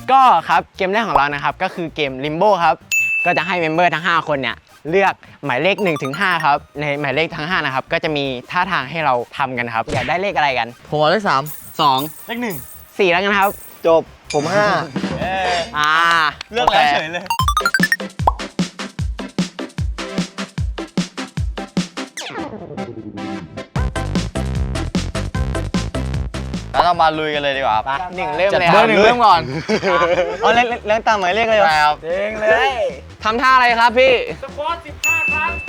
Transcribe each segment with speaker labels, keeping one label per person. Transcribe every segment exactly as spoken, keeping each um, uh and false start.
Speaker 1: ก็ครับเกมแรกของเรานะครับก็คือเกม Limbo ครับก็จะให้เมมเบอร์ทั้งห้าคนเนี่ยเลือกหมายเลขหนึ่งถึงห้าครับในหมายเลขทั้งห้านะครับก็จะมีท่าทางให้เราทำกันครับอยากได้เลขอะไรกัน
Speaker 2: ผมเอาเลขสาม
Speaker 1: สอง
Speaker 3: เลขหนึ่ง
Speaker 1: สี่แล้วกันครับ
Speaker 2: จบผมห้า
Speaker 1: อ่า
Speaker 3: เลือกแล้วเฉยเลย
Speaker 2: แล้วเรามาลุยกันเลยดีกว่า
Speaker 1: ไปหนึ่งเริ่มเลย
Speaker 2: เบอร์หนึ่งเริ่มก่อน
Speaker 3: เอาเล่นเล่นตามหมายเลขเลย
Speaker 2: ใช่ครับ
Speaker 1: เด้งเลยทำท่าอะไรครับพี่
Speaker 4: สควอตสิบห้าครั้ง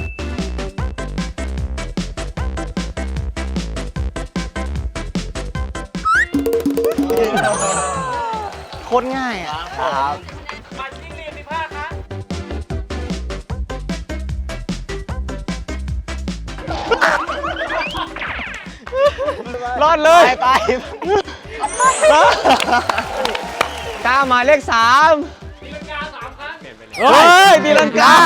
Speaker 3: โคตรง่ายอ่ะ
Speaker 1: ครับ
Speaker 4: ปัดจิ้งหรีดสิบห้าครั้ง
Speaker 3: รอดเลย
Speaker 1: ไปไปก้าหมายเลขสาม
Speaker 4: ตีลังกาสามครั้ง
Speaker 3: เฮ้ยตีลังกา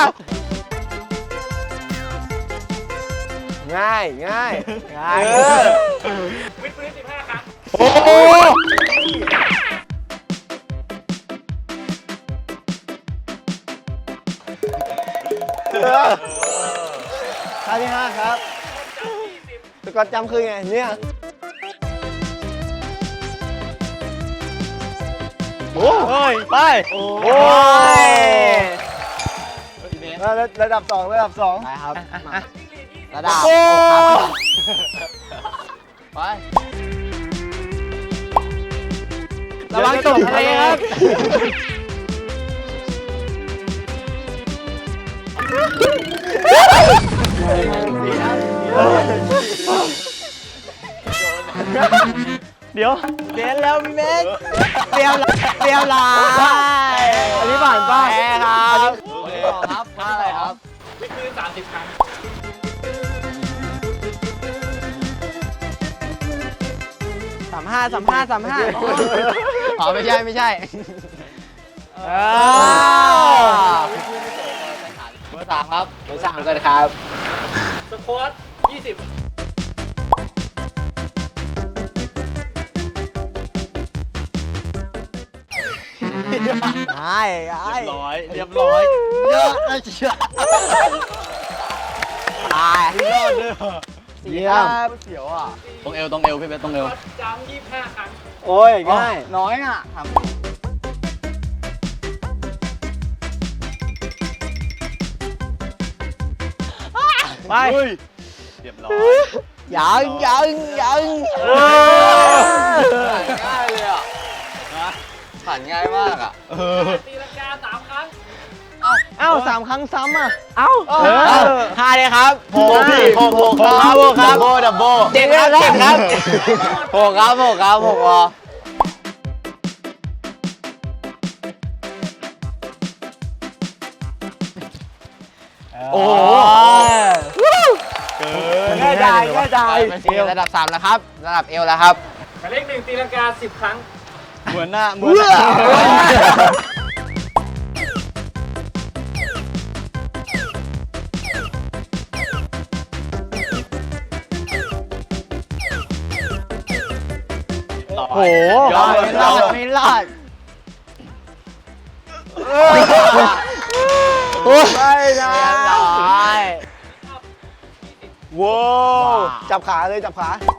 Speaker 2: ง่ายง่าย
Speaker 1: ง่าย
Speaker 4: วิดพื้นสิบห้าครั้ง
Speaker 3: โอ้โหท่าที่ห้าครับสกอตจำคือไงเนี่ยโอ้ยไปโอ้ยระดับสองระดับสอง
Speaker 1: ไปครับ
Speaker 4: จิ้งหรีดยี่สิบ
Speaker 1: ระดับ
Speaker 3: โอ้
Speaker 1: ครับไประวังตกทะเลครับ
Speaker 3: เดี๋ยว
Speaker 1: เดี๋ยวแล้วพี่เมฆเตรียมเตรียมลาย
Speaker 3: อันนี้ผ่านป่ะ
Speaker 1: แพ้ครับครับท่าอะไรครับ
Speaker 4: วิดพื้นสามสิบครั้ง
Speaker 1: สามห้าสามห้าสามห้าอ๋อไม่ใช่ไม่ใช่เออเบอร์สามครับเบอร์สามกันครับ
Speaker 4: สควอตยี่สิบ
Speaker 1: ไอ้ไอ้
Speaker 3: ร้อยเรียบร้อยเยอะนะเชียว
Speaker 1: ตาย
Speaker 3: ยอดเลย
Speaker 1: เยี่ยม
Speaker 3: เสียวอ่ะ
Speaker 2: ตรงเอวตรงเอวพี่เบสตรงเอว
Speaker 4: สควอตจำยี่สิบห้าครั้ง
Speaker 3: โอ้ยง่าย
Speaker 1: น้อยอ่ะครับไป
Speaker 2: เรียบร้อย
Speaker 1: ยังยังยัง
Speaker 2: ง่ายเลยอ่ะนะผ่านง่ายมากอ่ะ
Speaker 4: ตีลังกาสามครั้ง
Speaker 3: เอ้าสามครั้งซ้ำอ่ะ
Speaker 1: เอ้า
Speaker 3: เออ
Speaker 1: ห้าเลยครับ
Speaker 2: โหพี่โหโหครับโหครับดับโบดับโบ
Speaker 1: เจ็ดครับเจ็ดครับ
Speaker 2: โหครับโหครับโหวอ
Speaker 1: โอ้โห
Speaker 3: ง่ายได้ง่ายได้
Speaker 1: เป็นสี่ระดับสามแล้วครับ ระดับเอวแล้วครับ
Speaker 4: หมายเลขหนึ่งตีลังกาสิบครั้ง
Speaker 3: เหมือนหน้าเหมือนหน้า
Speaker 2: โอ้โห
Speaker 1: ยอดไม่รอดไม่รอด
Speaker 3: ไม่นะ
Speaker 1: เรียบร้อย
Speaker 3: ว้าวจับขาเลยจับขา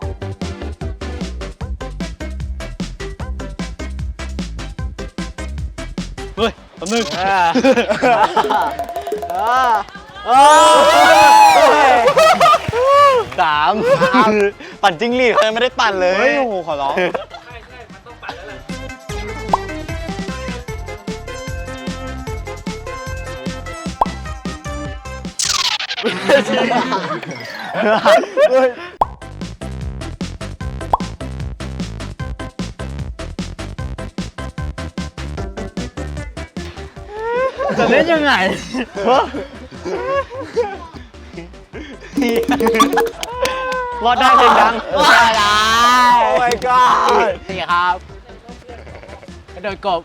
Speaker 2: เฮ้ยแป๊บนึง
Speaker 1: เออเออเออ
Speaker 2: สามปั่นจิ้งหรีดเขายังไม่ได้ปั่นเลย
Speaker 3: เฮ้ยโอ้โหขอร้อง
Speaker 4: ใช่ใช่มันต้องปัดแล้วแหละ
Speaker 3: จะเล่นยังไง รอดได้เพลงดัง
Speaker 1: ว่าอะไร
Speaker 3: โอ้ my god
Speaker 1: นี่ครับกระโดดกบ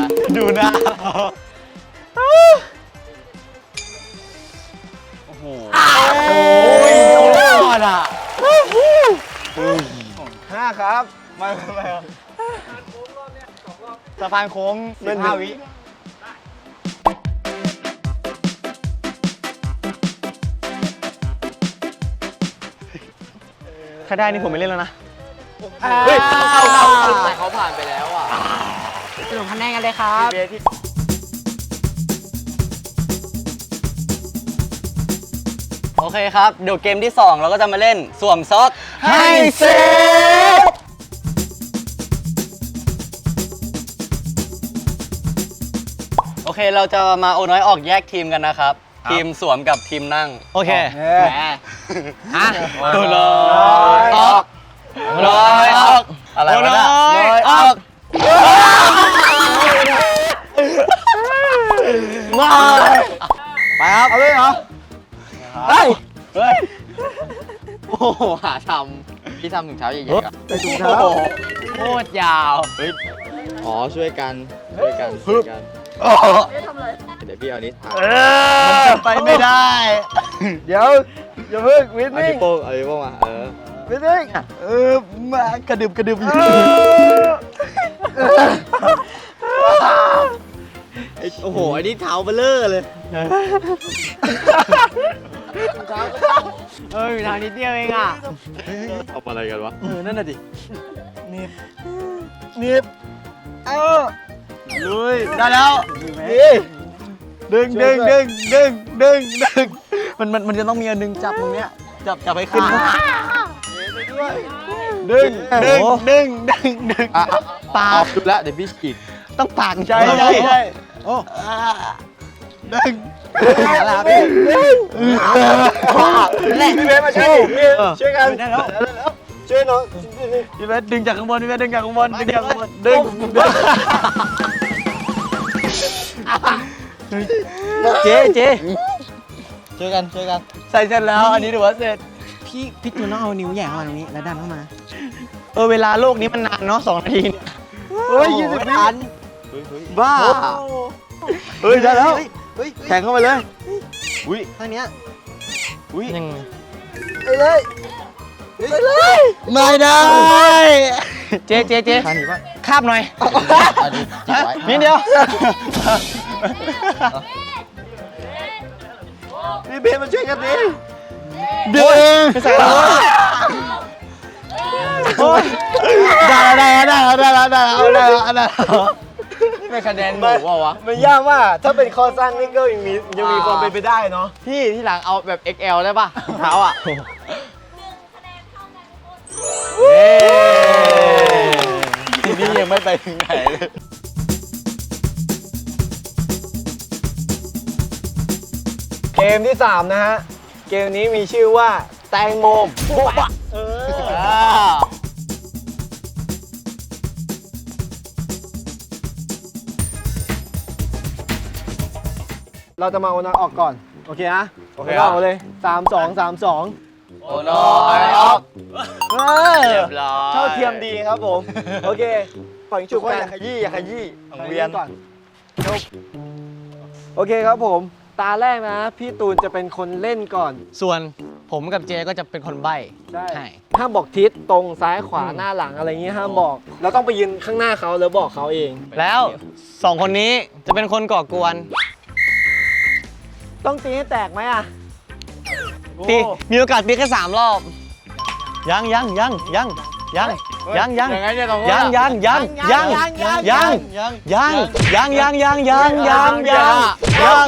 Speaker 2: ดูหน้าโอ้โหโอ้ยยอดอ่ะ
Speaker 3: ห้าครับ
Speaker 2: ไม่ไม่ไม่สะพานโค้งสิบห้าวิถ้าได้นี่ผมไม่เล่นแล้วนะ
Speaker 1: เฮ้ยเข้าเข้าเข้าแต่เขาผ่านไปแล้วอ่ะสรุปคะแนนกันเลยครับ
Speaker 2: โอเคครับ เดี๋ยวเกมที่สองเราก็จะมาเล่นสวมซอกให้เซฟโอเคเราจะมาโอน้อยออกแยกทีมกันนะครับ ทีมสวมกับทีมนั่ง โอเค
Speaker 1: แหมฮะ
Speaker 2: โอน้อยออกโอน้อยออกอะไรวะเนี่ยโอน้อยออกมาไปครับ
Speaker 3: เอาเลยเหรอ
Speaker 2: เฮ้ยเฮ้ย
Speaker 1: โอ้โหหาทำพี่ทำถุงเท้าใหญ่ๆอะ
Speaker 3: ไปถุงเท้า
Speaker 1: โคตรยาวเฮ้ยอ๋อช่วยกันช่วยกันช่วยกันเดี๋ยวพี่เอานี้ถ่าย
Speaker 2: มันจะไปไม่ได้
Speaker 3: เดี๋ยวอย่าเพิ่งวิน
Speaker 1: เอา
Speaker 3: นิ่
Speaker 1: นิ้
Speaker 3: ง
Speaker 1: วโป้งเอานิ้วโป้งมาเออ
Speaker 3: วินนิ่ง
Speaker 2: เออมากระดึบกระดึบ
Speaker 1: ไอ้โอ้โหอันนี้เท้าเบลอเลยเฮ้ยเท้านิดเดียวเองอ่ะทำอะไรกันวะ
Speaker 2: เออนั่นน่ะดิ
Speaker 3: นิบเออ
Speaker 2: ลุยได้แล้ว
Speaker 3: นี่
Speaker 2: ดึงดึงดึงดึงดึงดึงมันมันมันจะต้องมีอันดึงจับตรงเนี้ยจับจับไปขึ้นดึงดึงดึงดึงดึง
Speaker 1: อ่ะ
Speaker 2: ปา
Speaker 1: เอา
Speaker 2: ก
Speaker 1: ดูแล้วเดี๋ยวพี่ฉีก
Speaker 2: ต้องปากใช่ใช่ใช่โอ้ดึง
Speaker 1: แล้วพี่
Speaker 3: พี่เบสมาช่วยพี่ช่วยกัน
Speaker 2: ได้แล้ว
Speaker 3: ช่วยน้อง
Speaker 2: พี่เบสดึงจากข้างบนพี่เบสดึงจากข้างบนดึงจากข้างบนดึงดึงเจ๊เจ๊ช่วยกันช่วยกันใส่เสร็จแล้วอันนี้ถือว่าเสร็จ
Speaker 1: พี่พี่ตูนต้องเอานิ้วแหย่เข้ามาตรงนี้แล้วดันเข้ามา
Speaker 2: เออเวลาโลกนี้มันนานเนาะสองนาทีเนี่ย
Speaker 3: เฮ้ยยี่สิบวิ
Speaker 1: ทัน
Speaker 2: บ้า
Speaker 3: เฮ้ยได้แล้ว
Speaker 1: เฮ้ย
Speaker 3: แข่งเข้าไปเลย
Speaker 1: อุ้ยท่านี้
Speaker 2: อุ้ยยัง
Speaker 3: ไปเลยไปเลย
Speaker 2: ไม่ได้ เจ๊เจ๊เจ๊
Speaker 1: ท่านี้ป่ะ
Speaker 2: คาบหน่อย
Speaker 1: อันนี้จิบไว้
Speaker 2: นิดเดียว
Speaker 3: พี่เบสมาช่วยกันดิ
Speaker 2: เดี๋ยวเองใส่แล้วโอ้ยได้แล้วได้แล้วได้แล้วได้แล้วได้แล้วได้แล้ว
Speaker 1: นี่เป็นคะแนนหมูเปล่าวะ
Speaker 3: มันยากมากถ้าเป็นคอสั้นนี่ก็ยังมียังมีความเป็นไปได้เนาะ
Speaker 1: พี่ที่หลังเอาแบบ เอ็กซ์ แอล ได้ป่ะรองเท้าอ่ะ
Speaker 2: ทีนี้ยังไม่ไปถึงไหนเลย
Speaker 3: เกมที่สามนะฮะเกมนี้มีชื่อว่าแตงโมปุ๊บะเออเราจะมาเอาน้อยออกก่อนโอเคนะโอเคเอาเลยสามสองสามสอง
Speaker 1: โอ้น้อยออก
Speaker 3: เออ
Speaker 1: เรียบร้อย
Speaker 3: เท่าเทียมดีครับผม โอเคฝั่งฉุกว่าอย่าขยี้อย่าขยี้
Speaker 2: ของเวียน
Speaker 3: ก่อนจบโอเคครับผม ตาแรกนะ พี่ตูนจะเป็นคนเล่นก่อน
Speaker 2: ส่วนผมกับเจก็จะเป็นคนใบ้
Speaker 3: ใช่
Speaker 2: ใช่
Speaker 3: ห้ามบอกทิศตรงซ้ายขวาหน้าหลังอะไรอย่างงี้ห้ามบอก เราต้องไปยืนข้างหน้าเขาแล้วบอกเขาเอง
Speaker 2: แล้วสองคนนี้จะเป็นคนก่อกวน
Speaker 3: ต้องตีให้แตกไหมอ่ะ
Speaker 2: ตีมีโอกาสตีแค่สามรอบ ยังยังยังยังยังยังยัง
Speaker 1: ยังไงเนี่ยสองคน
Speaker 2: ยังยังยังยังยังยังยังยังยังยังยังยังยังยังยัง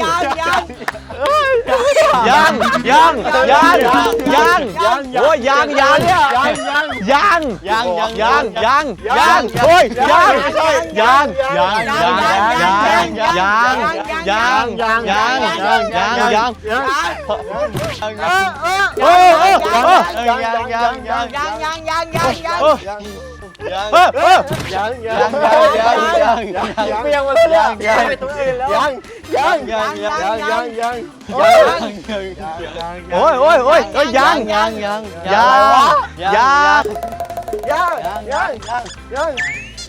Speaker 2: ยังยังยังโอ้ยยังยังยังยังยังยังยังโอ้ยยังยังยังยังยังยังยังยังยังยังโอ้โอ้ยังยังยังยังยังยังยังยังเออเออ
Speaker 3: ยังยัง
Speaker 2: ยังยังยังยัง
Speaker 3: ยังไม่ยังมาเลยยังยังไปตัวอื่นแล้วยังยังยังยังยังยัง
Speaker 2: โอ้ยโอ้ยโอ้ยโอ้ยยังยังยังยังยัง
Speaker 3: ยังยังยังยัง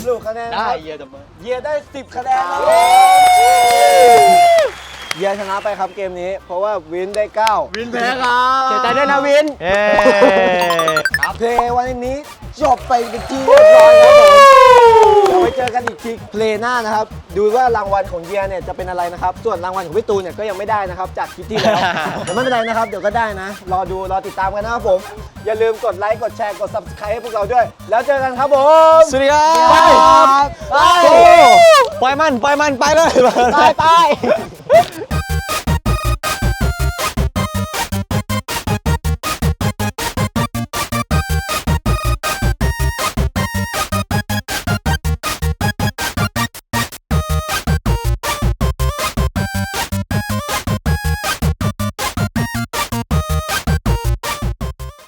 Speaker 3: รุปคะแนนนะ
Speaker 1: ได้
Speaker 3: ครับ
Speaker 1: เยียดับเบิล
Speaker 3: เยียได้สิบคะแนนครับเยียชนะไปครับเกมนี้ เพราะว่าวินได้เก้า
Speaker 1: วินแพ้ครับ
Speaker 3: เสียใจด้วยนะวิน
Speaker 2: เย้
Speaker 3: เพลย์วันนี้จบไปเป็นที่เรียบร้อยครับผมเดี๋ยวไปเจอกันอีกทีเพลย์หน้านะครับ ดูว่ารางวัลของเยียเนี่ยจะเป็นอะไรนะครับ ส่วนรางวัลของพี่ตูนเนี่ยก็ยังไม่ได้นะครับ จากคลิปที่แล้ว แต่ไม่เป็นไรนะครับ เดี๋ยวก็ได้นะ รอดู รอติดตามกันนะครับผม อย่าลืมกดไลค์ กดแชร์ กด ซับสไครบ์ ให้พวกเราด้วย แล้วเจอกันครับผม
Speaker 2: สวัสดีครับ
Speaker 3: ไปไป
Speaker 2: โอ้ปล่อยมันปล่อยมันไปเลย
Speaker 3: ไปไป